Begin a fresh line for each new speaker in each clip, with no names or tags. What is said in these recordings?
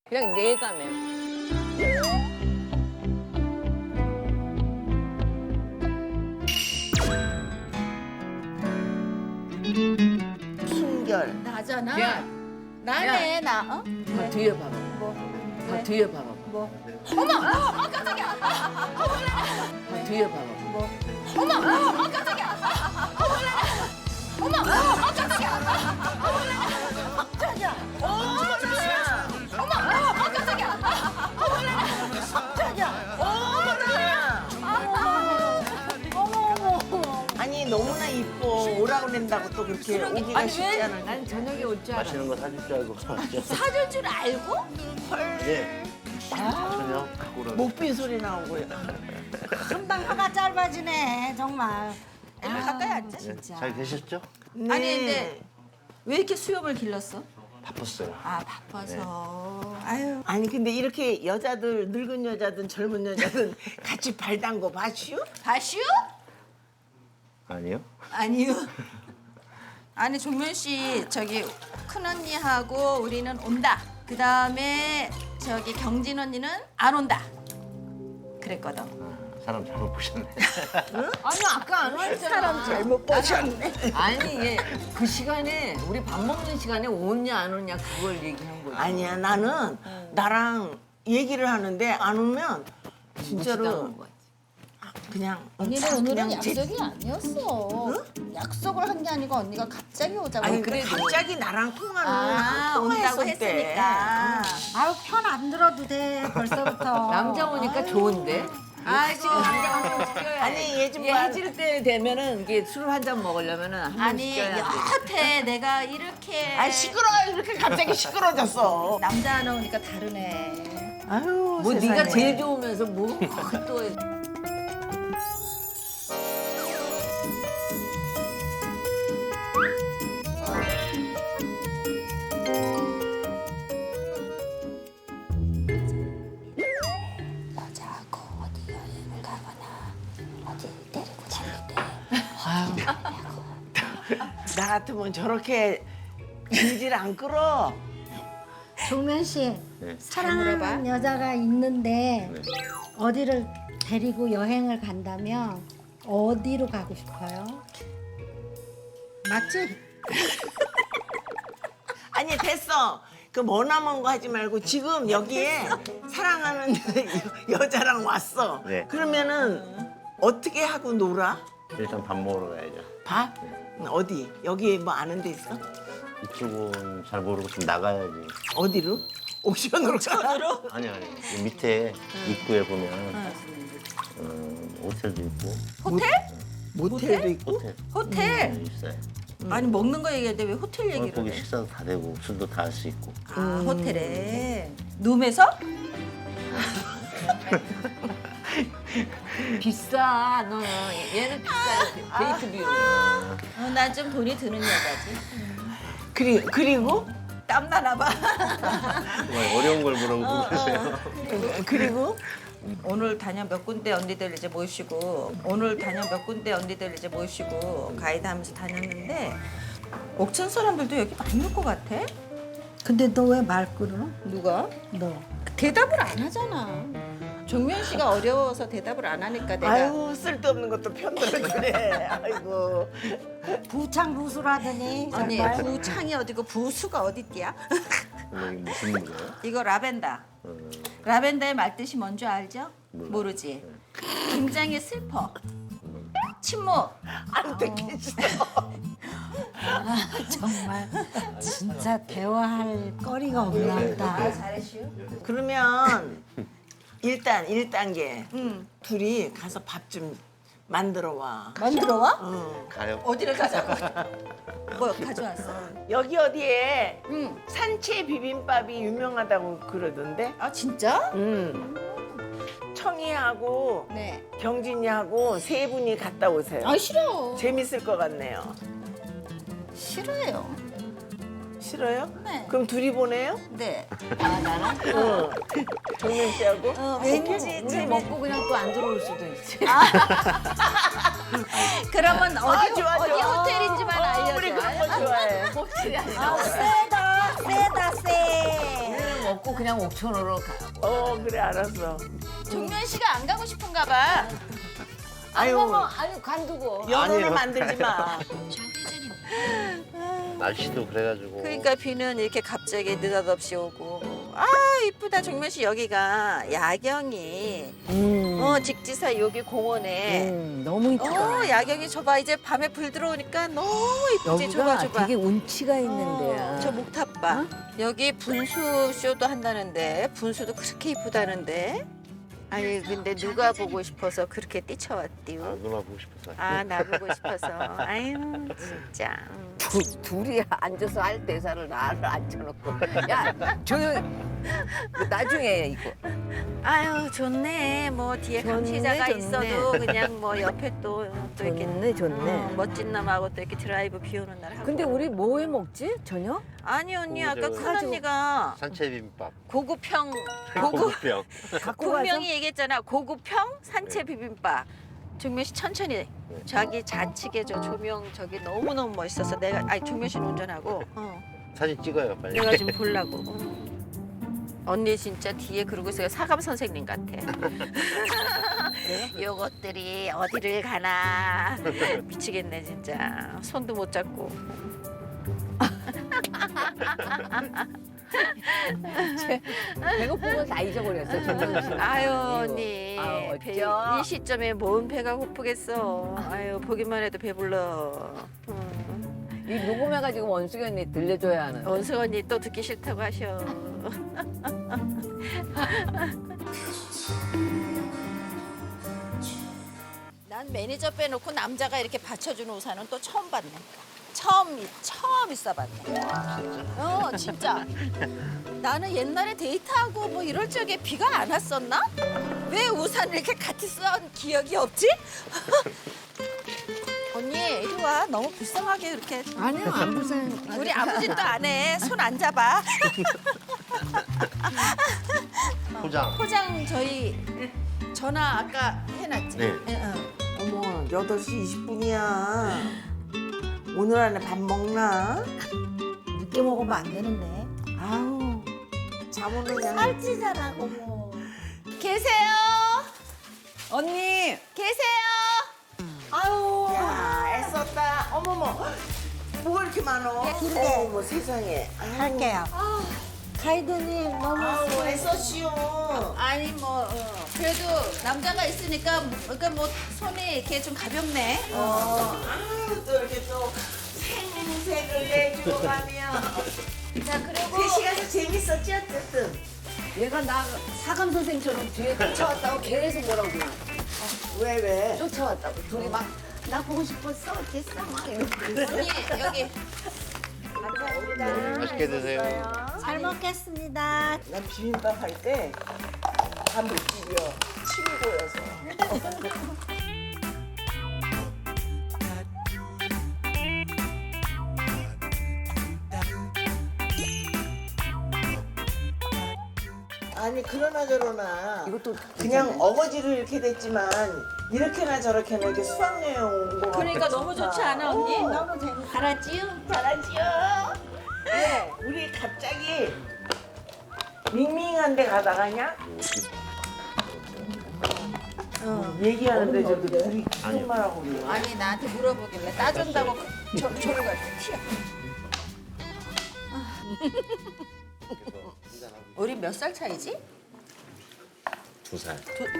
그냥 내감해.
순결.
나잖아.
야,
나네 나. 어?
다 뒤에 봐봐.
뭐?
다 뒤에 봐봐.
뭐?
다 뒤에 봐봐.
뭐?
아니 너무나 이뻐. 오라고 그런다고 또 그렇게 오기가
아니
쉽지
왜?
않을
난 저녁에 올 줄 알아.
맛있는 거 사줄 줄 알고 왔죠.
사줄 줄 알고?
예. 전혀 그거는
목빈 소리 나오고요.
금방 혀가 짧아지네 정말.
일로 가까이 앉자.
네,
진짜.
잘 계셨죠?
네.
아니 근데 왜 이렇게 수염을 길렀어?
바빴어요.
아 바빠서. 아유.
아니 근데 이렇게 여자들 늙은 여자든 젊은 여자든 같이 발 담궈 봐슈?
바슈?
아니요?
아니요. 아니 종면 씨 저기 큰 언니하고 우리는 온다. 그 다음에 저기 경진 언니는 안 온다. 그랬거든.
사람 잘못 보셨네.
아니 아까 안 왔잖아.
사람 잘못 보셨네.
아니 얘 그 시간에 우리 밥 먹는 시간에 오냐 안 오냐 그걸 얘기한 거지.
아니야 나는 나랑 얘기를 하는데 안 오면 진짜로
무시당한 거지.
그냥
언니는 오늘은
그냥 제-
약속이 아니었어. 약속을 한 게 아니고 언니가 갑자기 오자고.
아니
그래도.
갑자기 나랑 통화를
온다고
통화했을 때.
했으니까.
아유 편 안 들어도 돼 벌써부터.
남자 오니까 좋은데.
아이고.
지금 남자 한 명씩 껴야
아니,
돼.
얘 좀
얘
봐.
해질 때 되면은 이게 술을 한 잔 먹으려면은 한 명씩
아니
껴야 돼.
여태 내가 이렇게
아 시끄러 이렇게 갑자기 시끄러졌어.
남자 나오니까 다르네.
아유
뭐
세상에.
네가 제일 좋으면서 뭐 또.
여자하고 어디 여행을 가거나 어디 데리고 다닐 때
나 같으면 저렇게 질질 안 끌어.
종면 씨
네.
사랑하는 여자가 있는데
네.
어디를 데리고 여행을 간다면 어디로 가고 싶어요? 맞지?
아니 됐어. 그 머나먼 거 하지 말고 지금 여기에 사랑하는 여자랑 왔어.
네.
그러면은 어떻게 하고 놀아?
일단 밥 먹으러 가야죠.
봐? 어디? 여기 뭐 아는 데 있어?
이쪽은 잘 모르고 좀 나가야지.
어디로? 옥션으로 가?
아니 이 밑에 입구에 보면 호텔도 있고
호텔?
모텔도 있고?
호텔
호텔?
있어요.
아니 먹는 거 얘기할 때 왜 호텔 얘기를
거기
해?
식사도 다 되고 술도 다 할 수 있고.
아 호텔에 룸에서?
비싸 너는 얘는 비싸 데이트 비용.
나 좀 돈이 드는 여자지.
그리고?
땀나나 봐.
정말 어려운 걸 물어보고 계세요.
그리고?
오늘 다녀 몇 군데 언니들 이제 모시고 오늘 다녀 몇 군데 언니들 이제 모시고 가이드 하면서 다녔는데 옥천 사람들도 여기 많이 올 것 같아.
근데 너 왜 말 끊어?
누가?
너.
대답을 안 하잖아. 종면 씨가 어려워서 대답을 안 하니까 내가
아유 쓸데없는 것도 편들어주네. 아이고.
부창부수라더니
언니
정말.
부창이 어디고 부수가 어딨디야?
이게 무슨 거예요?
이거 라벤더. 라벤더의 말뜻이 뭔지 알죠? 모르지. 굉장히 슬퍼. 침묵.
안 듣겠어.
정말 진짜 대화할 거리가 없나 보다.
잘했슈.
그러면 일단 1단계
응.
둘이 가서 밥 좀 만들어 와.
만들어 와?
가요.
어디를 가자고? 뭐 가져왔어?
여기 어디에
응.
산채 비빔밥이 유명하다고 그러던데?
아 진짜?
청이하고
네.
경진이하고 세 분이 갔다 오세요.
아 싫어.
재밌을 것 같네요.
싫어요.
싫어요?
네.
그럼 둘이 보내요?
네.
아 나랑
응. 정민 씨하고?
왠지
우리 먹고 그냥 또 안 들어올 수도 있지.
그러면 어디
좋아,
어디
좋아.
호텔인지만 알려줘.
우리 그런 거 좋아해.
혹시
세다 세다 세.
먹고 그냥 옥천으로 가.
그래 알았어.
종면 씨가 안 가고 싶은가 봐.
아유
아니 관두고.
연혼을
아니에요.
만들지 마.
날씨도 그래가지고.
그러니까 비는 이렇게 갑자기 느닷없이 오고. 아 이쁘다 종면 씨 여기가 야경이 직지사 여기 공원에
너무 이쁘다.
야경이 저봐 이제 밤에 불 들어오니까 너무 이쁘지.
여기가
저봐
되게 운치가 있는 데야.
저 목탑봐. 여기 분수 쇼도 한다는데 분수도 그렇게 이쁘다는데. 아니 근데 누가 보고 싶어서 그렇게 뛰쳐왔디요?
아, 누나 보고 싶어서.
아 나 보고 싶어서. 아유 진짜.
둘이 앉아서 할 대사를 나를 앉혀놓고. 야, 나중에 이거.
아유 좋네. 뭐 뒤에
좋네,
감시자가
좋네.
있어도 그냥 뭐 옆에 또 이렇게
좋네, 좋네.
멋진 놈하고 또 이렇게 드라이브 비 오는 날 하고.
근데 우리 뭐 해 먹지? 저녁?
아니 언니 아까
그거
큰 언니가
산채 비빔밥.
고급형 고급
고급병.
갖고 가서?
분명히 얘기했잖아. 고급형 산채 비빔밥. 종면 씨 천천히. 자기 좌측에 저 조명 저기 너무 너무 멋있어서 내가 아니 종면 씨는 운전하고
사진 찍어요 빨리.
내가 좀 보려고. 언니 진짜 뒤에 그러고 있어요. 사감 선생님 같아. 요것들이 어디를 가나 미치겠네 진짜. 손도 못 잡고.
배고픈 건 다 잊어버렸어. 정말 싫어.
아유 언니
아유,
배,
어쩌?
이 시점에 뭔 배가 고프겠어. 아유 보기만 해도 배불러.
이 녹음해가지고 원숙이 언니 들려줘야 하는.
원수 언니 또 듣기 싫다고 하셔. 난 매니저 빼놓고 남자가 이렇게 받쳐주는 우산은 또 처음 봤네. 처음 있어봤네. 진짜. 나는 옛날에 데이트하고 뭐 이럴 적에 비가 안 왔었나? 왜 우산을 이렇게 같이 써온 기억이 없지? 언니 이리 와. 너무 불쌍하게 이렇게.
아니야, 안 불쌍해.
우리 아무 짓도 안 해. 손 안 잡아.
포장.
포장 저희 전화 아까 해놨지?
네.
어머 8시 20분이야. 오늘 안에 밥 먹나?
늦게 먹으면 안 되는데.
아우 잠 오는 양.
살찌잖아, 어머.
계세요?
언니!
계세요?
아유 야 애썼다. 어머머 뭐가 이렇게 많어? 어머 세상에.
할게요. 가이드님 너무
아우 애썼시오.
아니 뭐 그래도 남자가 있으니까 그러니까 뭐 손이 이렇게 좀 가볍네.
아유 또 이렇게 또 생색을 내주고 가면.
자 그리고
3시간이 재밌었지 어쨌든.
얘가 나 사감 선생처럼 뒤에 쫓아왔다고 계속 뭐라고 그래.
왜?
쫓아왔다고. 둘이 막 나 보고 싶었어. 어땠어? 막 이러고.
언니 여기
감사합니다.
맛있게 드세요.
잘 먹겠습니다.
난 비빔밥 할 때 밥 느끼려 침이 고여서. 아니 그러나 저러나
이것도
그냥 어거지로 이렇게 됐지만 이렇게나 저렇게나 이렇게 수학여행 온 거.
그러니까 너무 좋지 않아 언니?
너무 재밌어.
알았지요?
잘하지요. 네, 우리 갑자기 밍밍한 데 가다가냐? 얘기하는데 저도 둘이 무슨 말하고 그래요?
아니 나한테 물어보길래 따준다고 저를 갈 때 튀어. 우리 몇 살 차이지?
2살.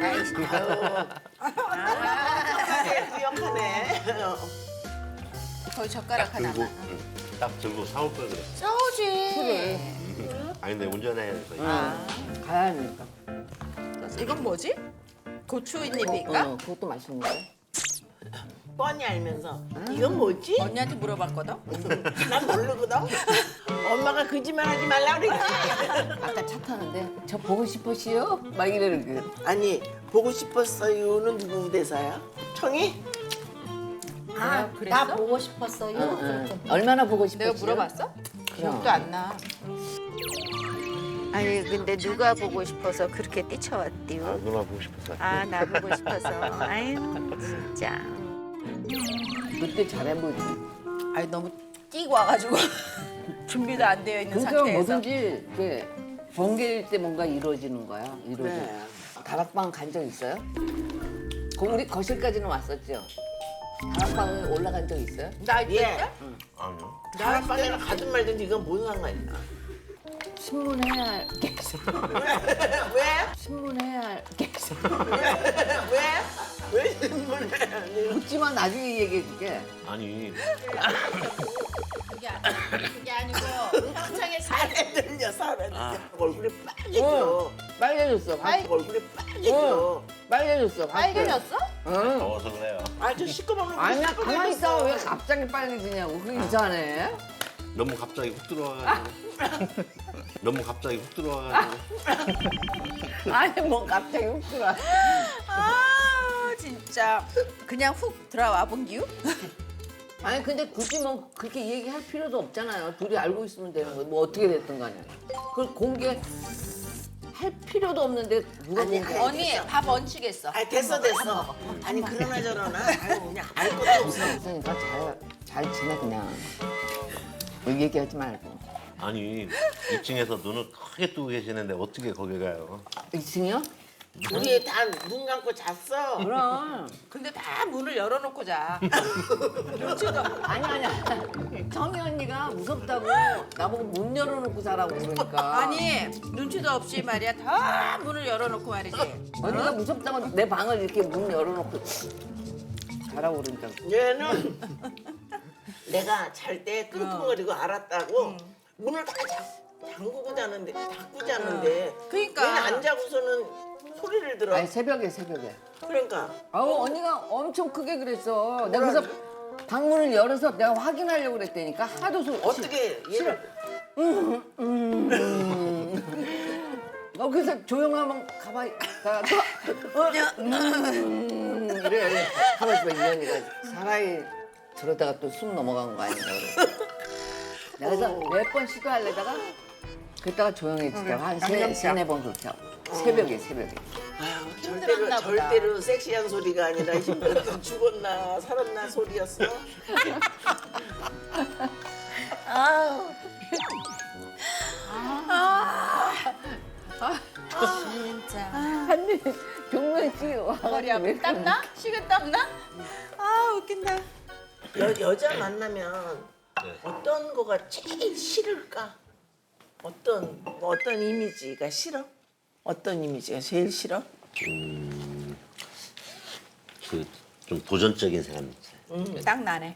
기억하네.
거의 젓가락
들고
하나만.
딱 들고 사올 걸 그랬어.
싸우지.
아니 근데 운전해야 돼서.
가야 하니까.
이건 뭐지? 고추잎인가?
그것도 맛있는데.
뻔히 알면서 이건 뭐지?
언니한테 물어봤거든.
난 모르거든. 엄마가 거짓말하지 말라 그랬지.
아까 차 타는데 저 보고 싶으시요? 막 이러는 거.
아니 보고 싶었어요는 누구 대사야? 청이?
아,
그랬어?
나 보고 싶었어요.
얼마나 보고 싶으시요?
내가 물어봤어? 기억도 안 나. 아니 근데 누가 보고 싶어서 그렇게
아,
뛰쳐왔디요?
누나 보고 싶어서.
아 나 보고 싶어서. 아유 진짜.
그때 잘해보지.
아니 너무 뛰고 와가지고 준비도 안 되어 있는
그러니까
상태에서.
뭐든지 이렇게 번개일 때 뭔가 이루어지는 거야. 이루어져.
네.
다락방 간 적 있어요? 우리 거실까지는 왔었죠. 다락방에 올라간 적 있어요?
나 이때
예.
아니요.
다락방에는 가든 말든 이건 뭔 상관이야?
신문해야 할 게 있어.
왜?
신문해야 할 게 있어.
왜? 왜 신문해?
묻지만 나중에 얘기해 줄게.
아니
그게 아니고 평창에
살에 들려 살에 들려. 얼굴이 빨개져.
빨개졌어.
얼굴이 빨개져.
빨개졌어.
빨개졌어?
응.
더워서 그래요.
아저 시꺼먼
아니야, 가만히 있다가 왜 갑자기 빨개지냐고. 그게 이상하네.
너무 갑자기 훅 들어와가지고. 너무 갑자기 훅 들어와가지고.
아니, 뭐 갑자기 훅 들어와.
아 진짜 그냥 훅 들어와 본 기우?
아니, 근데 굳이 뭐 그렇게 얘기할 필요도 없잖아요. 둘이 알고 있으면 되는 거예요. 뭐 어떻게 됐든 간에. 그걸 공개할 필요도 없는데 누가
아니,
공개?
언니 밥 얹히겠어.
아 됐어. 아니 그러나 저러나 아유 그냥 알 것도 없어.
그러니까 잘 지내 그냥. 뭐 얘기하지 말고.
아니 2층에서 눈을 크게 뜨고 계시는데 어떻게 거기 가요?
2층이요?
우리 다 눈 감고 잤어.
그럼.
근데 다 문을 열어놓고 자.
아니야. 정희 언니가 무섭다고 나보고 문 열어놓고 자라고 그러니까.
아니 눈치도 없이 말이야 다 문을 열어놓고 말이지.
언니가 무섭다고 내 방을 이렇게 문 열어놓고 자라고 그러니까.
얘는 내가 잘 때 끙끙거리고 알았다고 문을 다 잠그고 자는데 닫고 자는데
그러니까.
얘는 안 자고서는 소리를 들어.
아니 새벽에.
그러니까
아우 언니가 엄청 크게 그랬어. 내가 그래서 방문을 열어서 내가 확인하려고 그랬다니까 하도
어떻게 얘를
그래서 조용하면 가만히 가서 이래 가만히 있어. 이 언니가 사나이 저러다가 또 숨 넘어간 거 아닌가 그래. 내가 그래서 몇 번 시도하려다가 그랬다가 조용해지다가 한 세네 번 그렇게 하고 새벽에
아유,
힘들었나 보다.
절대로 섹시한 소리가 아니라 힘들었던 죽었나 살았나 소리였어.
진짜.
아니 종면 씨
머리
와가지고 왜
아파? 땀나? 식은 땀나? 아 웃긴다.
여자 만나면
네.
어떤 거가 제일 싫을까? 어떤 이미지가 싫어? 어떤 이미지가 제일 싫어?
그 좀 도전적인 사람 있어요.
딱 나네.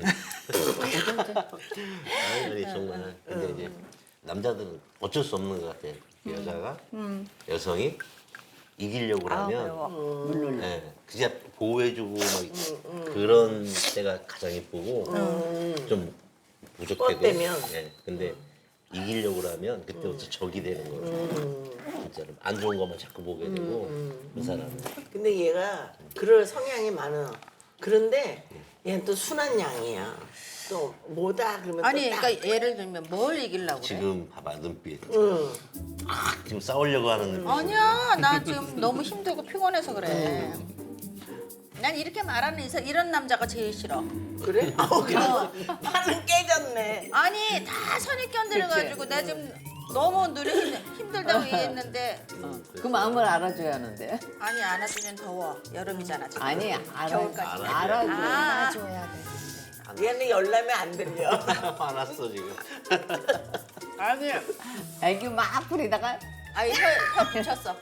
아니 정말. 근데 이제 남자들은 어쩔 수 없는 것 같아요. 여자가 여성이 이기려고 하면 네, 그냥 보호해주고 막 그런 때가 가장 예쁘고 좀 부족해도.
뻗대면.
네, 근데 이기려고 하면 그때부터 적이 되는 거예요. 진짜로 안 좋은 것만 자꾸 보게 되고 그 사람은.
근데 얘가 그럴 성향이 많아. 그런데 얘는 또 순한 양이야. 또 뭐다 그러면
아니
또 딱.
그러니까 예를 들면 뭘 이기려고 그래?
지금 봐봐 눈빛.
응.
지금 싸우려고 하는 눈빛.
아니야 나 지금 너무 힘들고 피곤해서 그래. 난 이렇게 말하는 이런 남자가 제일 싫어.
그래? 그래서 판은 깨졌네.
아니 다 선입견 들어가지고 나 지금 너무 눈이 힘들다고 얘기했는데
그 마음을 알아줘야 하는데.
아니 안아주면 더워. 여름이잖아 지금.
아니
겨울까지.
알아줘.
아,
얘는 열나면 안 들려.
화났어 지금.
아니
애기 막 부리다가
아니 혀 붙였어.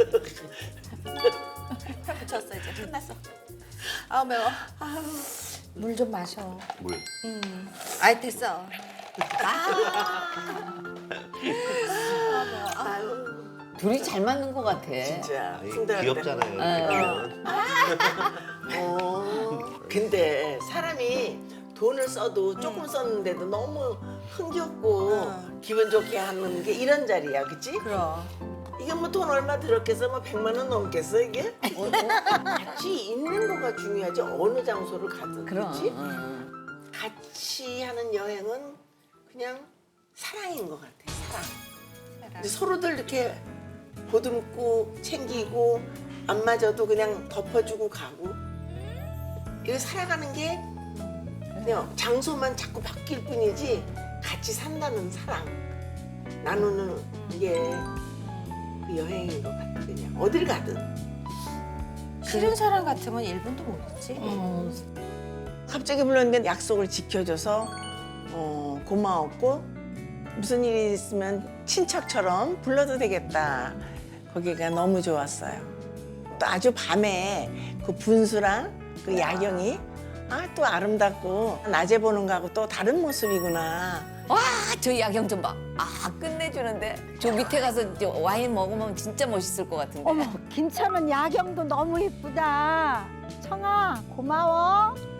혀 붙였어 이제 끝났어. 아우 매워. 물 좀 마셔.
물.
아이 됐어.
둘이 잘 맞는 것 같아.
진짜.
아이,
힘들었다.
귀엽잖아요.
근데 사람이 돈을 써도 조금 썼는데도 너무 흥겹고 기분 좋게 하는 게 이런 자리야, 그치?
그럼.
이게 뭐 돈 얼마 들었겠어? 뭐 100만 원 넘겠어 이게? 같이 있는 거가 중요하지 어느 장소를 가든,
그럼.
그치? 같이 하는 여행은 그냥 사랑인 것 같아, 사랑. 근데 서로들 이렇게 보듬고 챙기고 안 맞아도 그냥 덮어주고 가고 이렇게 살아가는 게 그냥 장소만 자꾸 바뀔 뿐이지 같이 산다는 사랑. 나누는 게 그 여행인 것 같아 그냥 어딜 가든.
싫은 사람 같으면 1분도 못 있지.
갑자기 불렀는데 약속을 지켜줘서 고마웠고 무슨 일이 있으면 친척처럼 불러도 되겠다. 거기가 너무 좋았어요. 또 아주 밤에 그 분수랑 그 야경이 또 아름답고 낮에 보는 거하고 또 다른 모습이구나.
와, 저 야경 좀 봐. 끝내주는데. 저 밑에 가서 이제 와인 먹으면 진짜 멋있을 것 같은데.
어머, 김천은 야경도 너무 이쁘다. 청아, 고마워.